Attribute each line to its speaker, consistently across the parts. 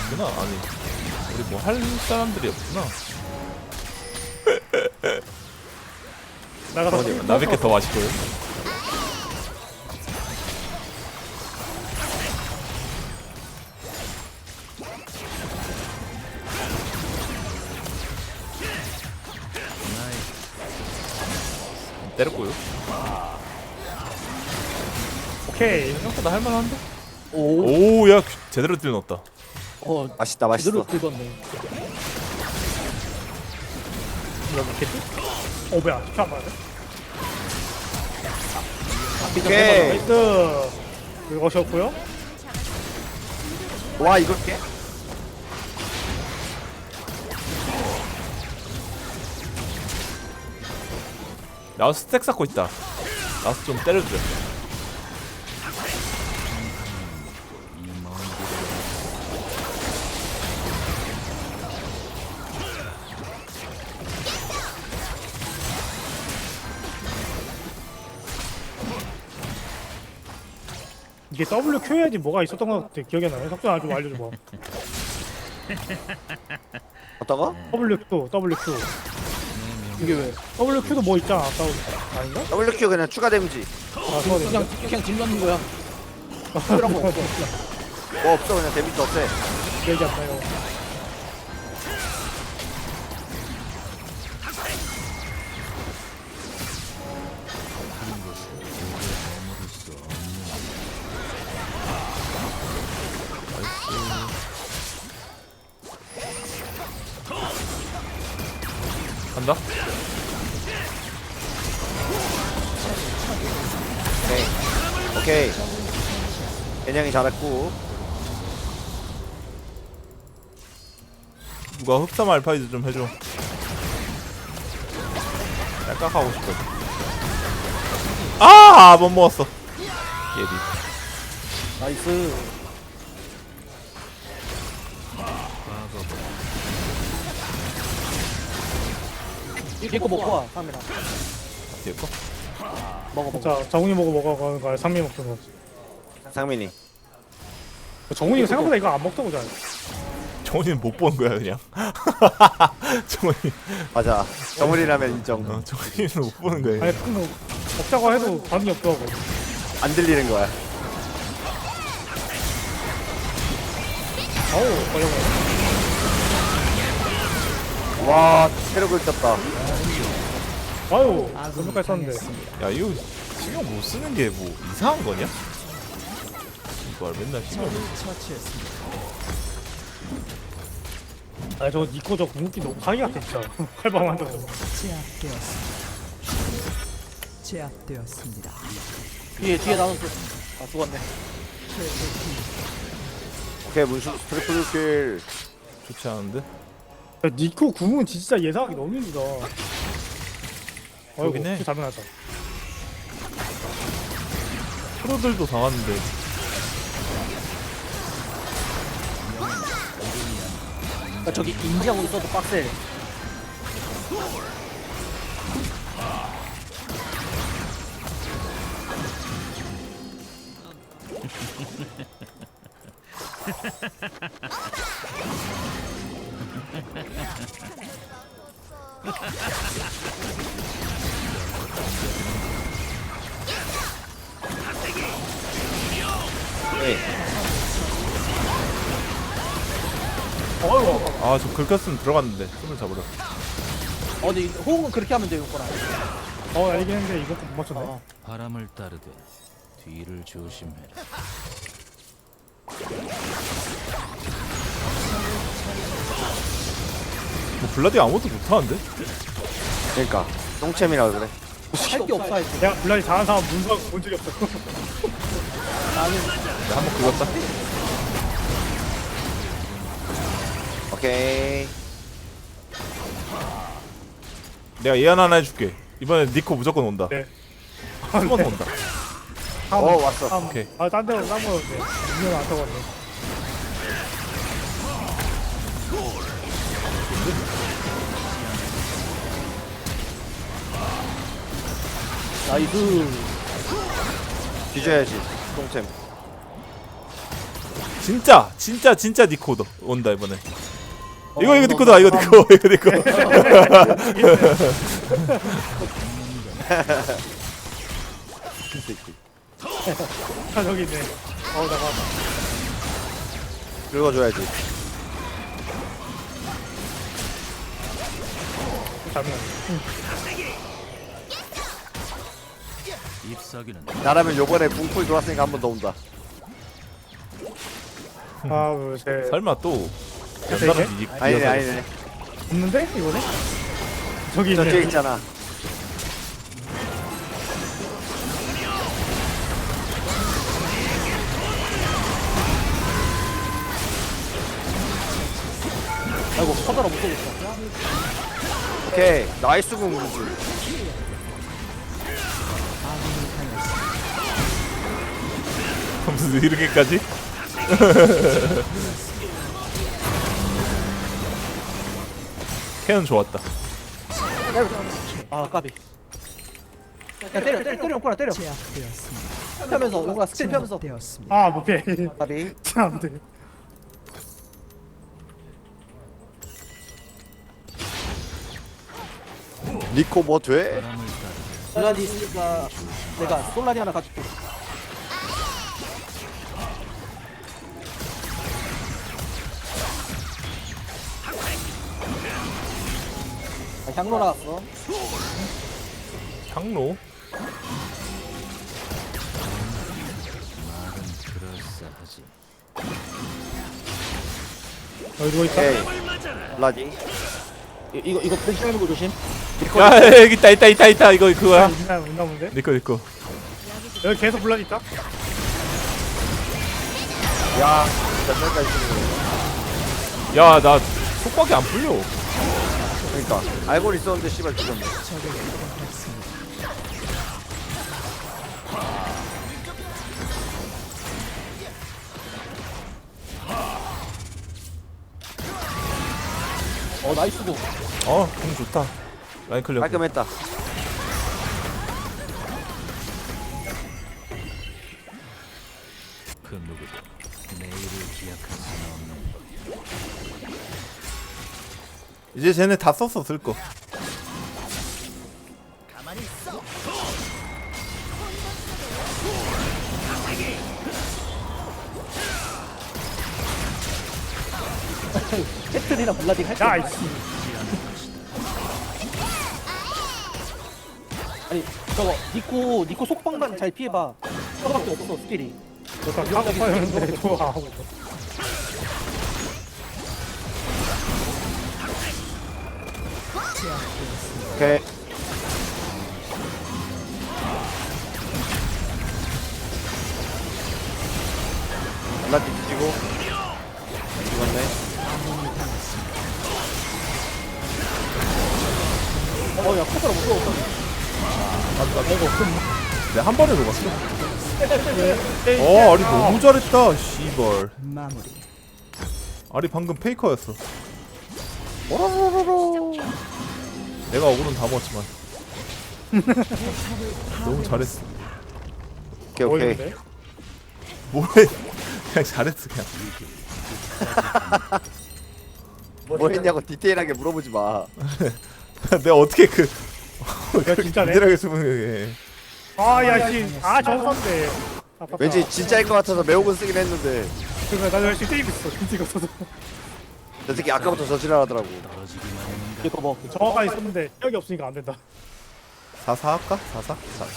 Speaker 1: 없구나. 아니 우리 뭐 할 사람들이 없구나.
Speaker 2: 나가서
Speaker 1: 나밖에 더 맛있고요. 때렸고요.
Speaker 2: 오케이.
Speaker 1: 생각보다 할만한데?
Speaker 3: 오,
Speaker 1: 오야 제대로 딜 넣었다.
Speaker 3: 맛있다,
Speaker 4: 제대로
Speaker 3: 맛있어.
Speaker 4: 긁었네.
Speaker 2: 이거 먹겠지? 뭐야? 피 안 맞아?
Speaker 3: 오케이.
Speaker 2: 나이스. 이거 셨고요.
Speaker 3: 와, 이걸 깨?
Speaker 1: 나우스 스택 쌓고 있다. 나우스 좀 때려줘.
Speaker 2: 이게 WQ야지 뭐가 있었던 것 같아. 기억이 안 나네. 석준 좀 알려줘봐.
Speaker 3: 어떤거?
Speaker 2: WQ.
Speaker 4: 이게 왜?
Speaker 2: WQ도 뭐 있잖아. 아까 아닌가?
Speaker 3: WQ 그냥 추가 데미지.
Speaker 2: 아, 그거
Speaker 4: 그냥 집 넣는 거야. 그런 거 없어.
Speaker 3: 뭐 없어, 그냥 데미지 없애.
Speaker 2: 얘기 안 나요.
Speaker 1: 간다.
Speaker 3: 오케이. 개냥이 잘했고.
Speaker 1: 누가 흡사 알파이즈 좀 해줘. 딸깍하고 싶어. 아, 못 먹었어. 예비.
Speaker 4: 나이스. 이거 먹고 와, 카메라.
Speaker 1: 뒤에 거?
Speaker 4: 먹어.
Speaker 2: 자, 정훈이 먹어가는 거야. 상민 먹던 거.
Speaker 3: 상민이.
Speaker 2: 정훈이가 생각보다 이거 안 먹던 거잖아.
Speaker 1: 정훈이는 못 보는 거야 그냥. 정훈이.
Speaker 3: 맞아. 정훈이라면 인정.
Speaker 1: 정훈이는 못 보는 거야.
Speaker 2: 아니, 그거 먹자고 해도 반응이 없더라고.
Speaker 3: 안 들리는 거야.
Speaker 2: 어우, 걸려버려.
Speaker 3: 와, 체력을 쳤다.
Speaker 2: 아유, 몇몇까지 썼는데.
Speaker 1: 야 이거 신경 못 쓰는 게 뭐 이상한 거냐? 이걸 맨날 신경 못
Speaker 2: 아, 저 니코 저 궁극기 너무 강의 같아, 진짜. 칼방한다.
Speaker 5: 제압되었습니다.
Speaker 4: 뒤에 나눠. 아, 죽었네.
Speaker 3: 오케이, 문수 트리플 킬.
Speaker 1: 좋지 않은데?
Speaker 2: 야, 니코 궁은 진짜 예상하기 너무 힘들다.
Speaker 1: 그러긴 해.
Speaker 2: 잘못났다.
Speaker 1: 프로들도 당하는데.
Speaker 4: 그러니까 저기 인지하고 있어도 빡세.
Speaker 3: 네.
Speaker 2: 어이구.
Speaker 1: 아 저 긁혔으면 들어갔는데 손을 잡으려.
Speaker 4: 근데 호응은 그렇게 하면 돼요, 거랑.
Speaker 2: 알긴 했는데 이것도 못 맞췄네.
Speaker 5: 바람을 따르되 뒤를 조심해라.
Speaker 1: 뭐 블라디 아무것도 못하는데?
Speaker 3: 그러니까 똥챔이라 그래.
Speaker 4: 할 게 없어, 할 게.
Speaker 2: 내가 블라디 잘하는 사람 문서 본 적이 없어.
Speaker 4: 나는
Speaker 1: 내가 한번 긁었다.
Speaker 3: 오케이.
Speaker 1: 내가 예언 하나 해줄게. 이번에 니코 무조건 온다.
Speaker 2: 네.
Speaker 1: 한 번 온다.
Speaker 3: 왔어.
Speaker 1: 오케이.
Speaker 2: 딴 데로 딴 거였네. 이건 안 타고 왔네.
Speaker 4: 나이스.
Speaker 3: 뒤져야지. 똥챔.
Speaker 1: 진짜 니코 온다 이번에. 이거 니코다 이거 니코 이거 니코.
Speaker 3: 이 새끼.
Speaker 2: 아 저기 있네. 나가.
Speaker 3: 긁어줘야지.
Speaker 2: 잠깐.
Speaker 5: 잎사귀는
Speaker 3: 나라면 요번에 궁풀 돌았으니까 한 번 더 온다.
Speaker 2: 하나 둘 셋.
Speaker 1: 설마 또
Speaker 2: 세
Speaker 1: 연달아
Speaker 2: 개?
Speaker 3: 아니네 아니네.
Speaker 2: 없는데 이거네? 저기
Speaker 3: 저 뒤에
Speaker 2: 있네.
Speaker 3: 있잖아.
Speaker 4: 아이고 커다라 못 쏘겠어.
Speaker 3: 오케이 나이스 궁무줄.
Speaker 1: 무슨 이렇게까지? 캐논 좋았다.
Speaker 4: 아 까비. 야 때려 용거라 때려. 펴면서 용거라 스킬 펴면서.
Speaker 2: 아 못해.
Speaker 3: 까비.
Speaker 2: 안돼.
Speaker 3: 니코 뭐 돼?
Speaker 5: 바람을 따르되
Speaker 4: 솔라디 있으니까 내가 솔라디 하나 가줄게. 향로 나왔어.
Speaker 1: 향로?
Speaker 5: 말은 그럴싸하지.
Speaker 2: 여기 누워 있다.
Speaker 3: 오케이. 라디.
Speaker 4: 이거 포기하는 거 조심.
Speaker 1: 야 여기 있다 이거 그거야.
Speaker 2: 있나 본데?
Speaker 1: 니코.
Speaker 2: 여기 계속 불러 있다.
Speaker 3: 야 진짜 짤까지 쓰는
Speaker 1: 야 나 속박이 안 풀려.
Speaker 3: 그러니까 알고 있었는데 씨발 죽었네.
Speaker 4: 나이스 고.
Speaker 1: 공 좋다. 라인 클리어.
Speaker 3: 깔끔했다.
Speaker 5: 그 누구도 내일을 기약할 수는 없는
Speaker 1: 이제 쟤네 다 썼어 쓸 거.
Speaker 4: 캐틀이랑 블라디 할게.
Speaker 2: 야 이씨.
Speaker 4: 아니 저거 니코 속방만 잘 피해봐. 저거밖에 없어 스킬이.
Speaker 2: 너다 까고 파였는데 좋아.
Speaker 3: 오케이. 라디 뒤지고. 죽었네.
Speaker 4: 야 커버를 못 쏘고.
Speaker 1: 내가 한 번에 녹았어. 아리 너무 잘했다. 씨발. 아리 방금 페이커였어. 내가 억울은 다 먹었지만. 너무 잘했어.
Speaker 3: 오케이 오케이.
Speaker 2: 보이는데?
Speaker 1: 뭐해? 그냥 잘했어 그냥.
Speaker 3: 뭐 했냐고 디테일하게 물어보지 마.
Speaker 1: 내가 어떻게 그
Speaker 2: 야 진짜네.
Speaker 1: 디테일하게 쓰면
Speaker 2: 아야 씨. 저거 썼네.
Speaker 3: 왠지 진짜일 것 같아서 매혹은 쓰긴 했는데
Speaker 2: 그러니까 나도 열심히 때리고 있어. 진짜 없어서.
Speaker 3: 저 새끼 아까부터 저지랄하더라고.
Speaker 5: 떨어지기만 하는
Speaker 4: 이거 뭐
Speaker 2: 저거가 있었는데 여기 없으니까 안 된다.
Speaker 1: 4사 할까? 4사? 4사.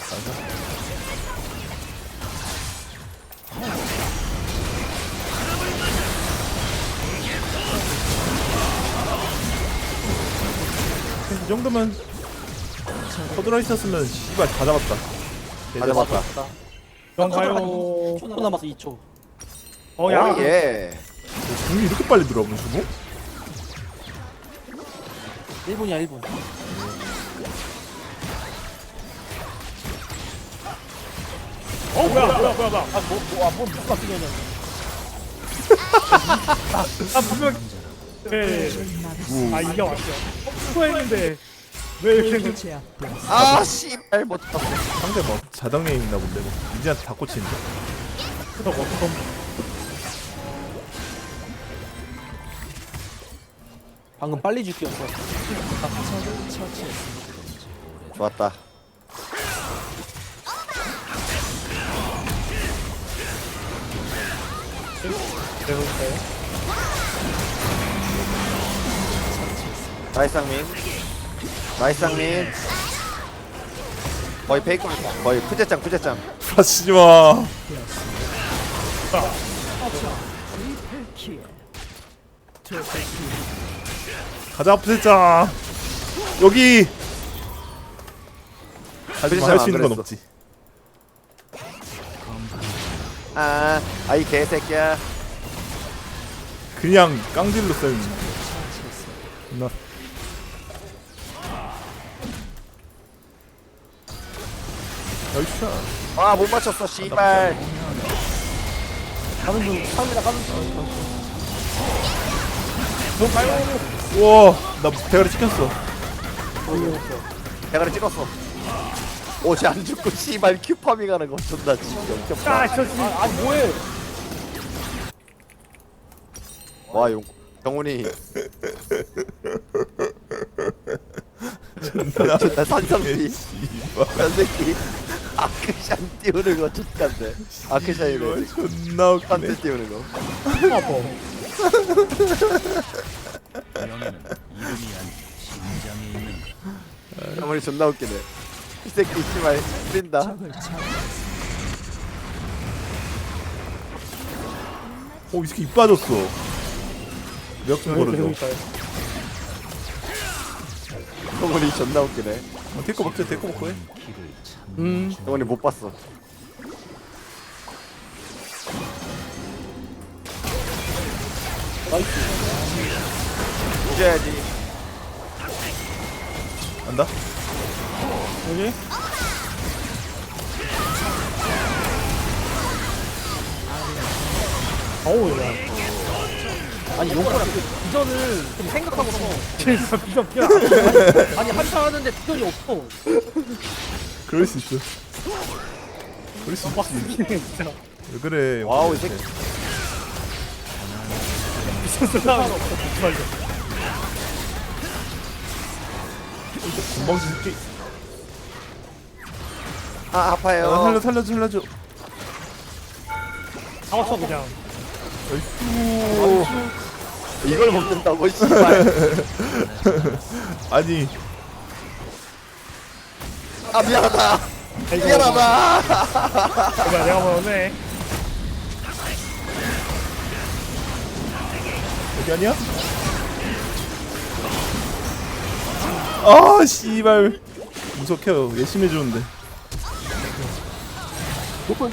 Speaker 1: 이 정도면 커드러 있었으면 씨발 다 잡았다.
Speaker 3: 다 잡았다.
Speaker 2: 가요.
Speaker 4: 2초 남았어 2초.
Speaker 2: 야.
Speaker 3: 예.
Speaker 1: 궁이 이렇게 빨리 들어와 무시고?
Speaker 4: 1분이야 1분.
Speaker 2: 뭐야.
Speaker 4: 뭐 무슨 바뀌냐냐.
Speaker 2: 분명. 네. 이게 왔죠. 수고했는데 왜 이렇게
Speaker 3: 아 씨발 못 봤어.
Speaker 1: 상대 뭐 자당에 있나 본데 뭐 이제한테 다 꽂히는데.
Speaker 4: 방금 빨리 죽기였어.
Speaker 3: 좋았다.
Speaker 2: 배울까요?
Speaker 3: 나이스 상민. 나이스 상민. 거의 페이크. 거의 푸제짱.
Speaker 1: 하시지마. 가자 푸세짱. 여기. 하지만 할 수 있는 건
Speaker 3: 안
Speaker 1: 없지.
Speaker 3: 아이 개새끼야.
Speaker 1: 그냥 깡딜로 쌤. 나. 나이스.
Speaker 3: 아 못 맞췄어 씨발.
Speaker 4: 가는 중. 상민아 가는 중.
Speaker 1: 우와, 나 대가리 찍혔어.
Speaker 3: 대가리 찍었어. 오지 안 죽고 씨발 큐 파밍하는 거 존나 지겹다.
Speaker 2: 아, 저 지금
Speaker 4: 아니 뭐해?
Speaker 3: 와 영훈이 존나 산성비. 산새끼 아크샨 띄우는 거 좋던데. 아크샨이래.
Speaker 1: 존나 웃기네.
Speaker 3: 산대 띄우는 거.
Speaker 2: 아파.
Speaker 5: 영에는 이름이 아닌 심장이 있는
Speaker 3: 영훈이 존나 웃기네. 이 새끼 씨발 뿌린다.
Speaker 1: 이 새끼 입 빠졌어. 몇분 걸어줘.
Speaker 2: 배울까요?
Speaker 3: 영훈이 존나 웃기네.
Speaker 1: 데리고 먹자, 데리고 먹고 해.
Speaker 5: 길을 찾는
Speaker 3: 영훈이 못 봤어. 이겨야지.
Speaker 1: 안다?
Speaker 2: 여기? 어우, 야.
Speaker 4: 아니 용거랑 그 비전을 좀 생각하고서.
Speaker 2: 진짜 비전 피야.
Speaker 4: 아니 한타 하는데 비전이 없어.
Speaker 1: 그럴 수 있어. 그럴 수 있지.
Speaker 2: 빡치네, 진짜.
Speaker 1: 왜 그래?
Speaker 3: 와우 이 새끼.
Speaker 2: 비전 쓰려면 없어, 정말로.
Speaker 1: 금방 줄게.
Speaker 3: 아 아파요.
Speaker 1: 살려줘.
Speaker 2: 잡았어, 그냥.
Speaker 1: 나이스.
Speaker 3: 이걸 먹는다고 씨발.
Speaker 1: 아니,
Speaker 3: 아 미안하다.
Speaker 2: 아이고.
Speaker 3: 미안하다.
Speaker 2: 내가 먹었네.
Speaker 1: 여기 아니야? 아, 씨발. 무섭해요. 열심히 해주는데.
Speaker 4: 노플.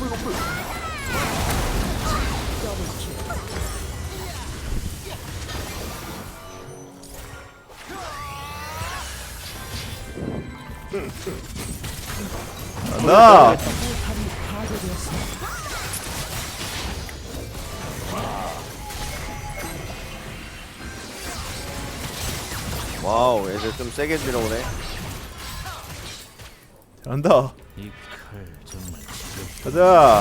Speaker 1: 간다.
Speaker 3: 와우 애들 좀 세게 밀어오네.
Speaker 1: 잘한다.
Speaker 5: 이 칼 정말 지겹.
Speaker 1: 가자.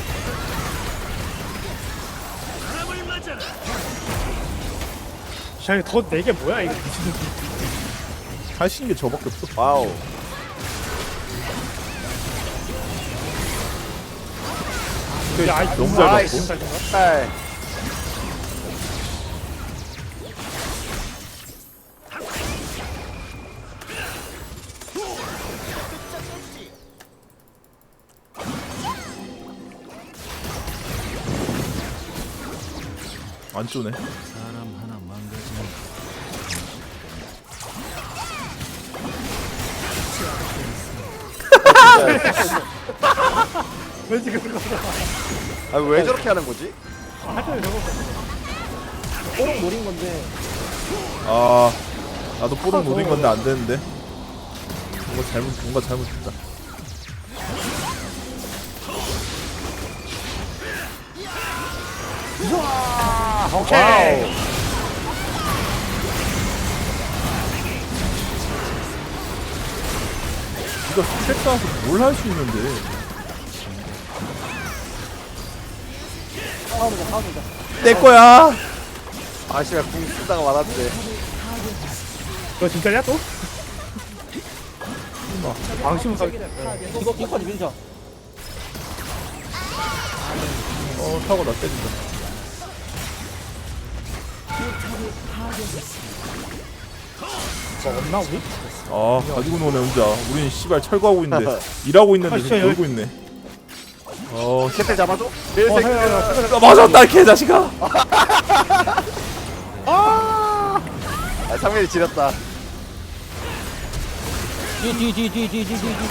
Speaker 2: 샤이 더 내게 뭐야, 이거 미친놈.
Speaker 1: 할 수 있는 게 저밖에 없어.
Speaker 3: 와우.
Speaker 2: 야, 아이,
Speaker 1: 너무 잘
Speaker 3: 아이씨.
Speaker 1: 봤고.
Speaker 2: 잘 잡아.
Speaker 3: 딸.
Speaker 1: 안 쪼네.
Speaker 5: 사람 하나 망가지면
Speaker 2: 왜 지금 그거.
Speaker 3: 아왜 저렇게 하는 거지?
Speaker 2: 하여튼 저거.
Speaker 4: 뽀록 노린 건데.
Speaker 1: 아, 나도 뽀록 노린 건데 안 되는데. 뭔가 잘못했다.
Speaker 2: 오케이.
Speaker 1: 이거 스택 쌓아서 뭘 할 수 있는데.
Speaker 4: 싸우자.
Speaker 1: 내 거야.
Speaker 3: 아 씨발 궁 쓰다가 말았는데.
Speaker 2: 너 진짜냐 또? 방심을 사.
Speaker 4: 이거 뒷판이 밀자.
Speaker 1: 타고 나 때린다.
Speaker 2: 뭐 없나 우리?
Speaker 1: 가지고 노네 혼자. 우린 씨발 철거하고 있는데 일하고 있는데
Speaker 2: 진짜
Speaker 1: 지금 놀고 있네.
Speaker 3: 캡틴 잡아줘.
Speaker 1: 맞았다 개자식아.
Speaker 3: 아 상민이 지렸다.
Speaker 4: 뒤.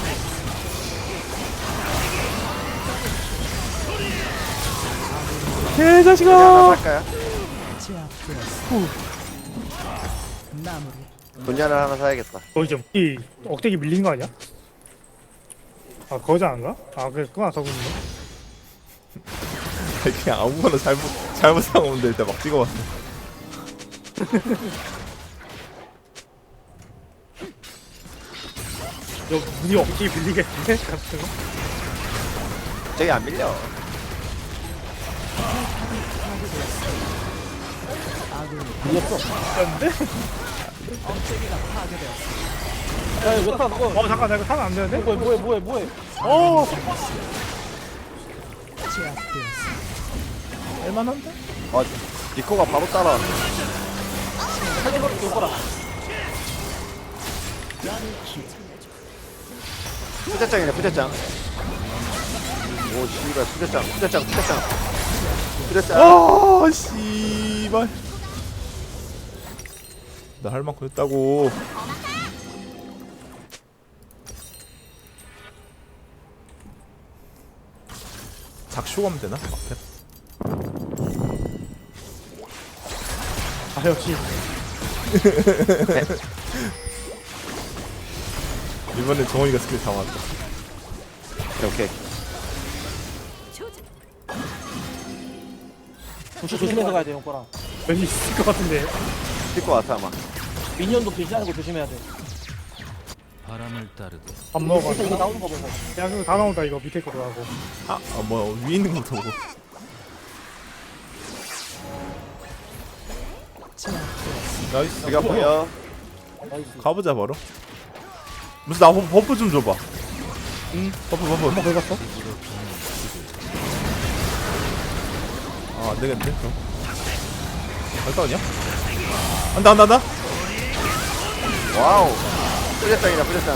Speaker 1: 개자식아.
Speaker 3: 할까요? 분야를 하나 사야겠다.
Speaker 2: 거기 좀이 억대기 밀린 거 아니야? 아 거지 않은가? 아 그래 그거 안 사고 있네.
Speaker 1: 그냥 아무거나 잘못 상오면 될 때 막 찍어봤어.
Speaker 2: 너 우리 억대기 밀리겠네 같은 거.
Speaker 3: 저기 안 밀려.
Speaker 4: 밀렸어.
Speaker 2: 근데?
Speaker 4: 야, 이거 타 먹어.
Speaker 2: 잠깐 나 이거 타면 안 되는데?
Speaker 4: 뭐해.
Speaker 2: 어.
Speaker 1: 할만한데?
Speaker 3: 아 니코가 바로 따라왔네.
Speaker 4: 살려버릴게, 이거라.
Speaker 3: 부대장이네 부대장. 오 씨발 부대장.
Speaker 1: 씨발. 나 할 만큼 했다고. 작쇼 가면 되나? 앞에?
Speaker 2: 아 역시
Speaker 1: 이번엔 정원이가 스킬 다 맞다.
Speaker 3: 오케이.
Speaker 4: 부시 조심해서 가야 돼, 형거랑.
Speaker 2: 왠지 있을 것 같은데.
Speaker 3: 뛸것 같아 아마.
Speaker 4: 미니언도 배신하는 거 조심해야 돼.
Speaker 5: 바람을 따르고
Speaker 2: 밥 먹어.
Speaker 4: 이거 나오는 거 보고.
Speaker 2: 야 그거 다 나온다 이거 밑에 거도 하고.
Speaker 1: 뭐야 위에 있는 것부터 보고. 나이스.
Speaker 3: 여기 아파요.
Speaker 1: 가보자 바로. 무슨 나 버프 좀 줘봐. 버프.
Speaker 2: 한번 긁었어?
Speaker 1: 안 되겠는데? 그럼. 갈까 그냥? 한다.
Speaker 3: 와우. 부대장이다 부대장.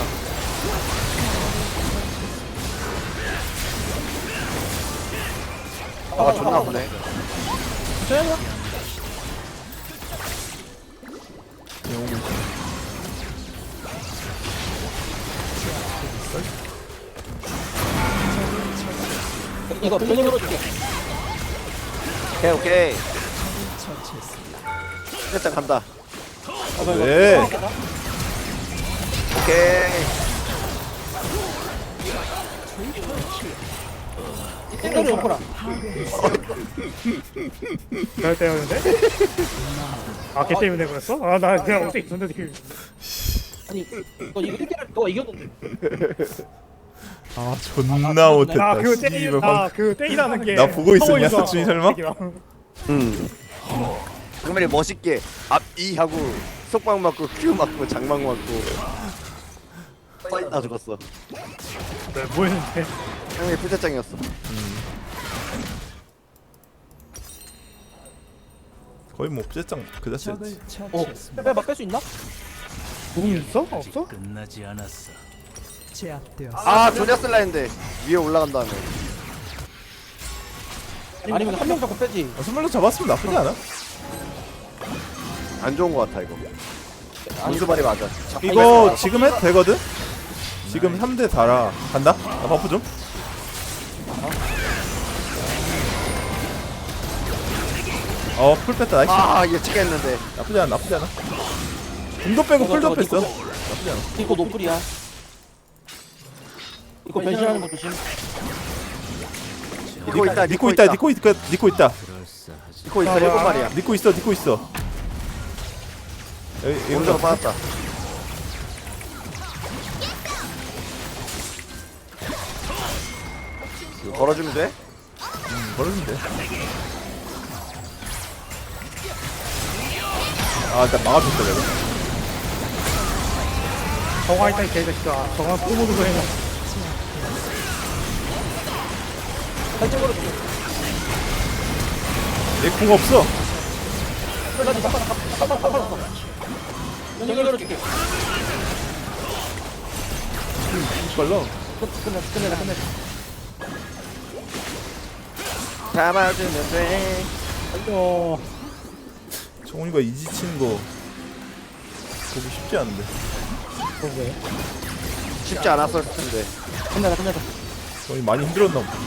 Speaker 3: 아 존나 아프네.
Speaker 4: 이거 변이 걸어줄게.
Speaker 3: 오케이. 부대장 간다.
Speaker 1: 네.
Speaker 3: 오케이.
Speaker 4: 땡겨줘, 형거랑.
Speaker 2: 잘 때였는데? 걔 때문에 그랬어? 나 그냥 어떻게 있었는데 되게.
Speaker 4: 아니, 너 이거 1개를 너가 이겼는데.
Speaker 1: 존나 못했다.
Speaker 2: 그거
Speaker 1: 씨발, 방-
Speaker 2: 그 때리라는 게.
Speaker 1: 나 보고 있었냐,
Speaker 2: 서버에서
Speaker 1: 석준이 설마?
Speaker 3: 정말 멋있게 앞이 하고 속박 맞고 큐 맞고 장막 맞고 다 죽었어.
Speaker 2: 네, 뭐였는데?
Speaker 3: 형이 부대장이었어.
Speaker 1: 거의 뭐 부재짱 그 자체였지.
Speaker 4: 뺄 수 있나?
Speaker 2: 공 있어? 없어?
Speaker 5: 끝나지 않았어.
Speaker 3: 아 조냐 쓸라 했는데 위에 올라간 다음에.
Speaker 4: 아니면 한 명 잡고 빼지.
Speaker 1: 선물로 잡았으면 나쁘지 않아?
Speaker 3: 안 좋은 거 같아 이거. 안수발이 맞아.
Speaker 1: 이거 지금 해도 되거든? 지금 3대 달아. 간다? 나 버프 좀. 풀 뺐다. 나이스.
Speaker 3: 아 예측했는데.
Speaker 1: 나쁘지 않아. 궁도 빼고 풀도 뺐어. 나쁘지 않아.
Speaker 4: 이거 노플이야. 이거 변신하는 거 조심.
Speaker 3: 니코 있다.
Speaker 1: 니코 있다.
Speaker 3: 니코
Speaker 5: 그럴싸하지.
Speaker 3: 있어. 일곱 마리야.
Speaker 1: 니코 있어. 여기
Speaker 3: 오른쪽으로 빠졌다. 이거 걸어주면 돼?
Speaker 1: 걸어주면 돼. 아 일단 막아줬다 내가.
Speaker 2: 정화 있다 이 개새끼야. 정화 꼬모르고 해놔.
Speaker 4: 살짝 걸어줘.
Speaker 1: 내 궁 없어.
Speaker 4: 연결 걸어줄게.
Speaker 1: 빨라.
Speaker 4: 끝내자.
Speaker 3: 잡아주면 돼.
Speaker 4: 아이고.
Speaker 1: 정훈이가 이지 치는 거 보기 쉽지 않은데.
Speaker 2: 그러게.
Speaker 3: 쉽지 않았을 텐데.
Speaker 4: 끝내자.
Speaker 1: 정훈이 많이 힘들었나 보다.